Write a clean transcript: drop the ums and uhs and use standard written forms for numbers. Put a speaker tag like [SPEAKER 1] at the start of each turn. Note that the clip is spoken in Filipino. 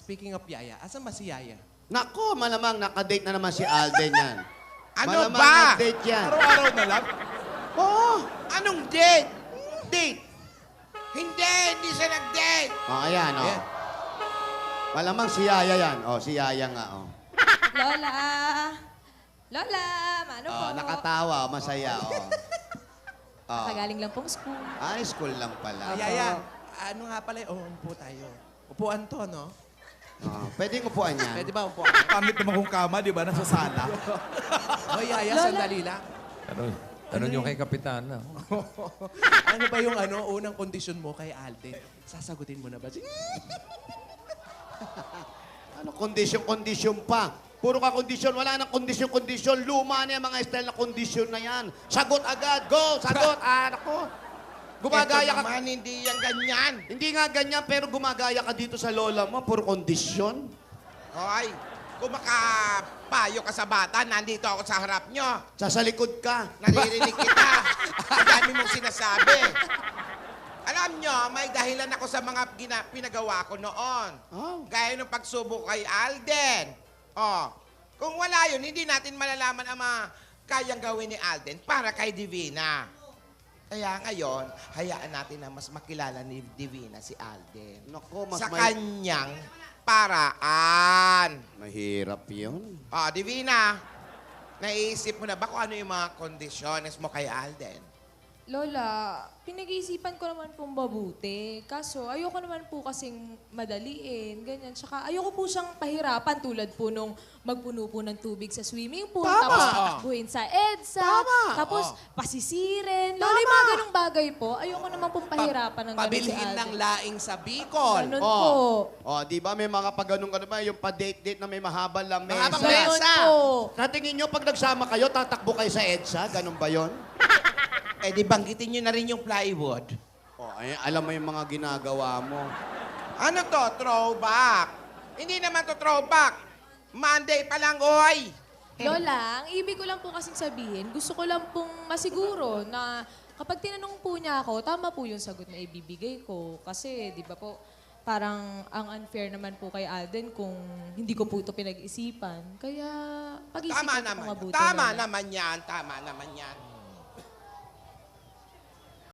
[SPEAKER 1] speaking of Yaya, asan ba si Yaya?
[SPEAKER 2] Nako, malamang nakadate na naman si Alden yan.
[SPEAKER 3] Ano
[SPEAKER 2] Malamang
[SPEAKER 3] ba?
[SPEAKER 2] nag-date yan.
[SPEAKER 1] Araw-araw na lang?
[SPEAKER 2] Oo.
[SPEAKER 3] Anong date? Date? Hindi siya nag-date.
[SPEAKER 2] Ayan, oh.
[SPEAKER 1] Ayan.
[SPEAKER 2] Malamang si Yaya yan. Oh, si Yaya nga, oh.
[SPEAKER 4] Lola! Lola! Mano po?
[SPEAKER 2] Oh, nakatawa, masaya, oh. Oh.
[SPEAKER 4] Nakagaling lang pong school.
[SPEAKER 2] Ay, school lang pala.
[SPEAKER 1] Yaya, ano nga pala, upo tayo. Upuan to, no?
[SPEAKER 2] Oh, pwedeng upuan yan.
[SPEAKER 1] Pwede ba upuan?
[SPEAKER 5] Pangit naman kung kama, di ba? Nasa sala.
[SPEAKER 1] O Yaya,
[SPEAKER 4] Lola.
[SPEAKER 1] sandali lang.
[SPEAKER 6] Tanong nyo kay Kapitana.
[SPEAKER 1] Ano ba yung unang kondisyon mo kay Alden? Sasagutin mo na ba?
[SPEAKER 2] Ano, kondisyon pa. Puro ka kondisyon. Wala nang kondisyon. Luma na yung mga style na kondisyon na yan. Sagot agad. Go! Sagot! Ako. Gumagaya
[SPEAKER 3] Ito
[SPEAKER 2] ka.
[SPEAKER 3] naman, hindi yan ganyan.
[SPEAKER 2] Hindi nga ganyan, pero gumagaya ka dito sa lola mo. Puro kondisyon.
[SPEAKER 3] Hoy, kung makapayo ka sa bata, nandito ako sa harap nyo.
[SPEAKER 2] Sa likod ka.
[SPEAKER 3] Naririnig kita. Ang dami mong sinasabi. Alam nyo, may dahilan ako sa mga pinagawa ko noon.
[SPEAKER 2] Oh.
[SPEAKER 3] Gaya ng pagsubok kay Alden. Oh, kung wala yun, hindi natin malalaman ang mga kayang gawin ni Alden para kay Divina. Kaya ngayon, hayaan natin na mas makilala ni Divina si Alden.
[SPEAKER 2] Nako, mas
[SPEAKER 3] Sa kanyang paraan.
[SPEAKER 2] Mahirap yun.
[SPEAKER 3] Oh, Divina, naiisip mo na ba kung ano yung mga kondisyones mo kay Alden?
[SPEAKER 4] Lola, pinag-iisipan ko naman pong mabuti. Kaso, ayoko naman po kasing madaliin, ganyan. Tsaka ayoko po siyang pahirapan tulad po nung magpuno po ng tubig sa swimming pool.
[SPEAKER 2] Tama.
[SPEAKER 4] Tapos takbuhin sa EDSA.
[SPEAKER 2] Tama.
[SPEAKER 4] Tapos pasisirin. Lola, yung mga ganong bagay po, ayoko naman pong pahirapan ng ganun si
[SPEAKER 1] Pabilhin ng
[SPEAKER 4] Alden.
[SPEAKER 1] laing sa Bicol.
[SPEAKER 4] Ganun po.
[SPEAKER 2] Oh, di ba may mga pag-ganun ba? Yung pa-date-date na may mahabang lang mesa.
[SPEAKER 3] Mahabang
[SPEAKER 4] Ganun
[SPEAKER 3] mesa.
[SPEAKER 4] po.
[SPEAKER 2] Sa tingin nyo, pag nagsama kayo, tatakbo kayo sa EDSA? Ganun ba yon?
[SPEAKER 3] Eh, di banggitin nyo na rin yung plywood.
[SPEAKER 2] Oh, ay, alam mo yung mga ginagawa mo.
[SPEAKER 3] Ano to? Throwback. Hindi naman to throwback. Monday pa lang, oy!
[SPEAKER 4] Lola, ang ibig ko lang po kasing sabihin, gusto ko lang pong masiguro na kapag tinanong po niya ako, tama po yung sagot na ibibigay ko. Kasi, di ba po, parang ang unfair naman po kay Alden kung hindi ko po ito pinag-isipan. Kaya, pag-isipan ko po mabuti.
[SPEAKER 3] Tama
[SPEAKER 4] Lola.
[SPEAKER 3] naman yan. Tama naman yan.